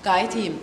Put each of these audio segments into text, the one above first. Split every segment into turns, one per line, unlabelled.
Gayet iyiyim.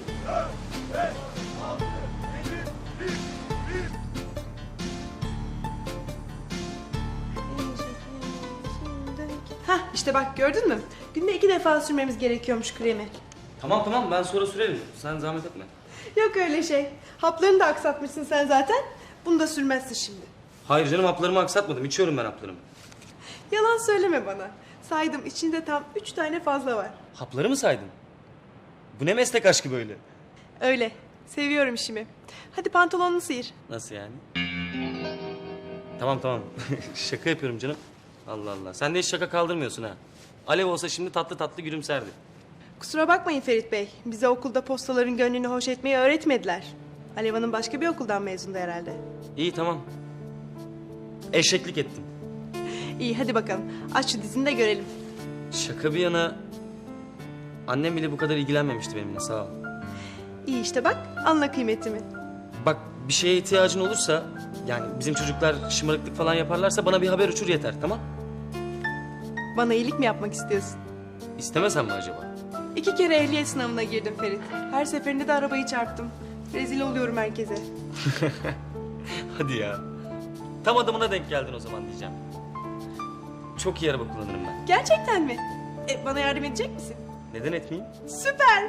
Hah işte bak gördün mü? Günde 2 defa sürmemiz gerekiyormuş kremi.
Tamam ben sonra sürerim. Sen zahmet etme.
Yok öyle şey. Haplarını da aksatmışsın sen zaten. Bunu da sürmezsin şimdi.
Hayır canım, haplarımı aksatmadım. İçiyorum ben haplarımı.
Yalan söyleme bana. Saydım içinde tam 3 tane fazla var.
Hapları mı saydın? Bu ne meslek aşkı böyle?
Öyle. Seviyorum işimi. Hadi pantolonunu sıyır.
Nasıl yani? Tamam. Şaka yapıyorum canım. Allah Allah. Sen de hiç şaka kaldırmıyorsun ha. Alev olsa şimdi tatlı tatlı gülümserdi.
Kusura bakmayın Ferit Bey. Bize okulda postaların gönlünü hoş etmeyi öğretmediler. Alev Hanım başka bir okuldan mezundu herhalde.
İyi tamam. Eşeklik ettim.
İyi hadi bakalım. Aç şu dizini de görelim.
Şaka bir yana... Annem bile bu kadar ilgilenmemişti benimle, sağ ol.
İyi işte bak. Anla kıymetimi.
Bak, bir şeye ihtiyacın olursa... Yani bizim çocuklar şımarıklık falan yaparlarsa bana bir haber uçur yeter, tamam?
Bana iyilik mi yapmak istiyorsun?
İstemesem mi acaba?
2 kere ehliyet sınavına girdim Ferit. Her seferinde de arabayı çarptım. Rezil oluyorum herkese.
Hadi ya. Tam adamına denk geldin o zaman diyeceğim. Çok iyi araba kullanırım ben.
Gerçekten mi? Bana yardım edecek misin?
Neden etmeyeyim?
Süper.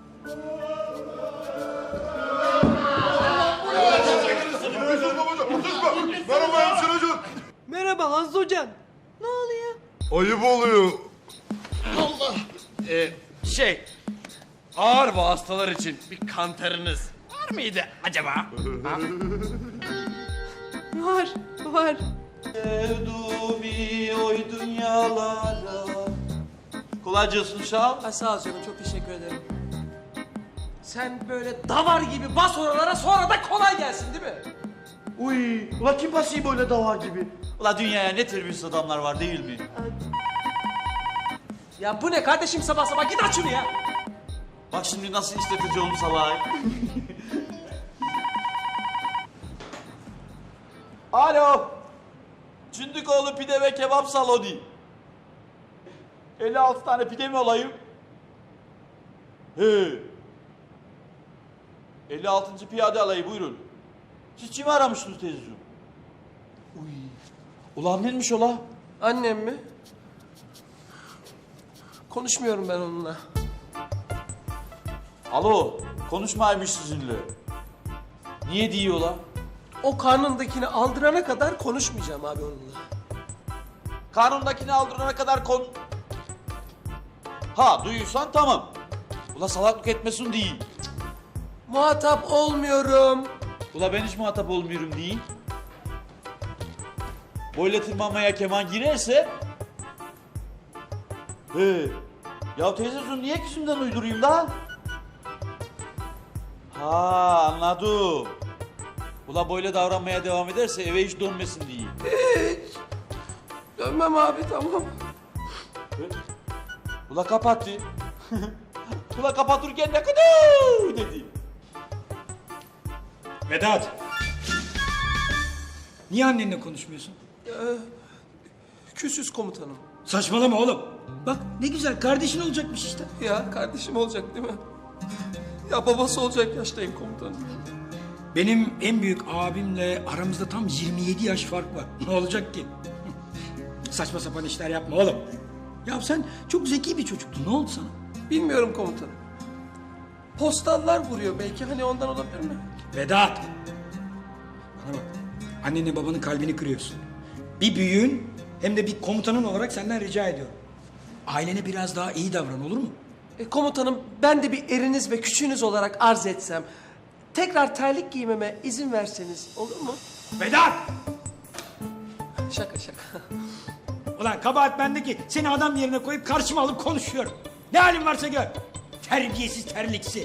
Merhaba Hemşire Hocam.
Merhaba Nazlı Hocam. Ne oluyor?
Ayıp oluyor.
Ağır bu hastalar için bir kantarınız var mıydı acaba? Ha?
Var.
Sevdumi oy dünyalara. Kolay gelsin Şahap.
Ay sağ ol canım, çok teşekkür ederim. Sen böyle davar gibi bas oralara, sonra da kolay gelsin değil mi?
Uy, ula kim basayım böyle davar gibi? Ula dünyaya ne terbiyesiz adamlar var değil mi?
Ya bu ne kardeşim, sabah sabah git aç şunu ya.
Bak şimdi nasıl işleteceğim salak. Alo. Cündükoğlu pide ve kebap salonu. 56 tane pide mi alayım? He. 56. piyade alayı buyurun. Siz kimi aramıştınız teyzeciğim? Uy. Ulan neymiş ola?
Annem mi? Konuşmuyorum ben onunla.
Alo, konuşmaymış sizinle. Niye diyor ola?
O karnındakini aldırana kadar konuşmayacağım abi onunla.
Karnındakini aldırana kadar Ha, duyuyorsan tamam. Ula salaklık etmesin değil.
Muhatap olmuyorum.
Ula ben hiç muhatap olmuyorum değil. Böyle tırmanmaya keman girerse... He. Ya teyzeciğim niye kızımdan uydurayım da? Ha, anladım. Ula böyle davranmaya devam ederse eve hiç dönmesin diye.
Dönmem abi, tamam.
Ula kapattı. Ula kapatırken ne kadar dedi.
Vedat! Niye annenle konuşmuyorsun?
Küsüz komutanım.
Saçmalama oğlum. Bak ne güzel kardeşin olacakmış işte.
Ya kardeşim olacak değil mi? Ya babası olacak yaştayım komutanım.
Benim en büyük abimle aramızda tam 27 yaş fark var. Ne olacak ki? Saçma sapan işler yapma oğlum. Ya sen çok zeki bir çocuktun. Ne oldu sana?
Bilmiyorum komutanım. Postallar vuruyor belki, hani ondan olabilir mi?
Vedat! Bana bak. Annenle babanın kalbini kırıyorsun. Bir büyüğün hem de bir komutanın olarak senden rica ediyorum. Ailene biraz daha iyi davran, olur mu?
Komutanım, ben de bir eriniz ve küçüğünüz olarak arz etsem... tekrar terlik giymeme izin verseniz olur mu?
Vedat!
Şaka.
Ulan kabahat bende ki seni adam yerine koyup karşıma alıp konuşuyorum. Ne halin varsa gör. Terbiyesiz terliksi.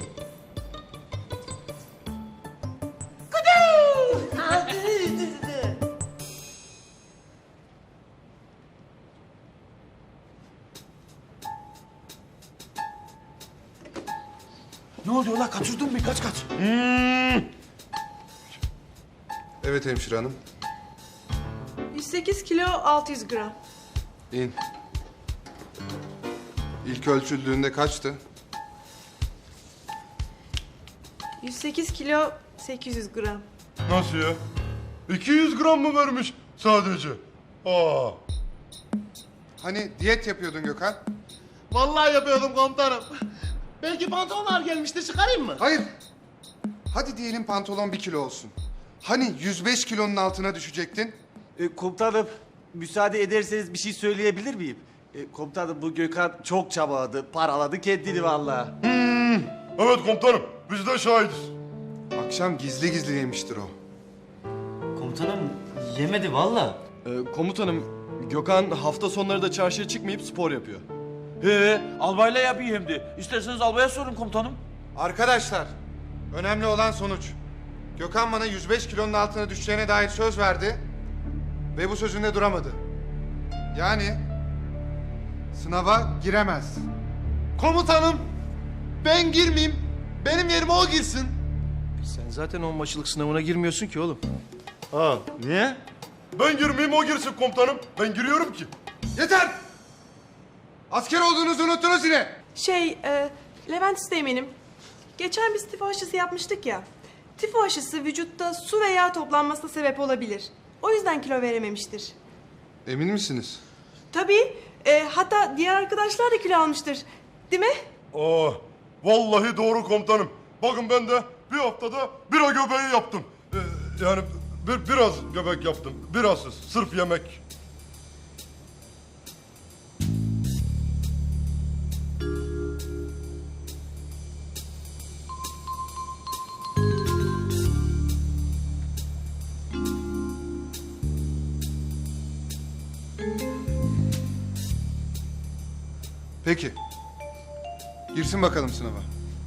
Ne oluyor la, kaçırdın mı? Kaç.
Evet hemşire hanım.
108 kilo 600 gram.
İn. İlk ölçüldüğünde kaçtı?
108 kilo 800 gram.
Nasıl ya? 200 gram mı vermiş sadece? Aa.
Hani diyet yapıyordun Gökhan?
Vallahi yapıyordum komutanım. Belki pantolonlar gelmiştir, çıkarayım mı?
Hayır. Hadi diyelim pantolon 1 kilo olsun. Hani 105 kilonun altına düşecektin?
Komutanım, müsaade ederseniz bir şey söyleyebilir miyim? Komutanım, bu Gökhan çok çabaladı, paraladı kendini vallahi.
Evet komutanım, biz de şahidiz.
Akşam gizli gizli yemiştir o.
Komutanım yemedi valla.
Komutanım, Gökhan hafta sonları da çarşıya çıkmayıp spor yapıyor.
Albayla yapayım hem de. İsterseniz albaya sorun komutanım.
Arkadaşlar, önemli olan sonuç. Gökhan bana 105 kilonun altına düşeceğine dair söz verdi ve bu sözünde duramadı. Yani sınava giremez.
Komutanım, ben girmeyeyim. Benim yerime o girsin.
Sen zaten onbaşılık sınavına girmiyorsun ki oğlum.
Ha, niye?
Ben girmeyeyim, o girsin komutanım. Ben giriyorum ki.
Yeter! Asker olduğunuzu unuttunuz yine.
Levent Üsteğmen'im. Geçen biz tifo aşısı yapmıştık ya. Tifo aşısı vücutta su ve yağ toplanmasına sebep olabilir. O yüzden kilo verememiştir.
Emin misiniz?
Tabii. Hatta diğer arkadaşlar da kilo almıştır. Değil mi?
Aa, vallahi doğru komutanım. Bakın ben de bir haftada bira göbeği yaptım. Yani biraz göbek yaptım. Birazsız, sırf yemek.
Peki. Girsin bakalım sınava.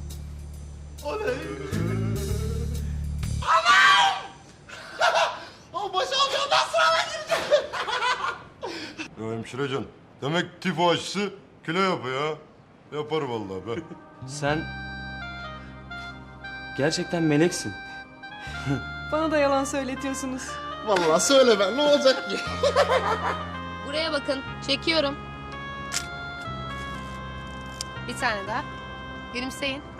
Onbaşı amcadan sınava gireceğim.
Ya hemşirecan, demek tifo aşısı kilo yapıyor ha. Yapar vallahi be.
Sen gerçekten meleksin.
Bana da yalan söyletiyorsunuz.
Vallahi söyle ben, ne olacak ki?
Buraya bakın. Çekiyorum. Bir tane daha. Gülümseyin.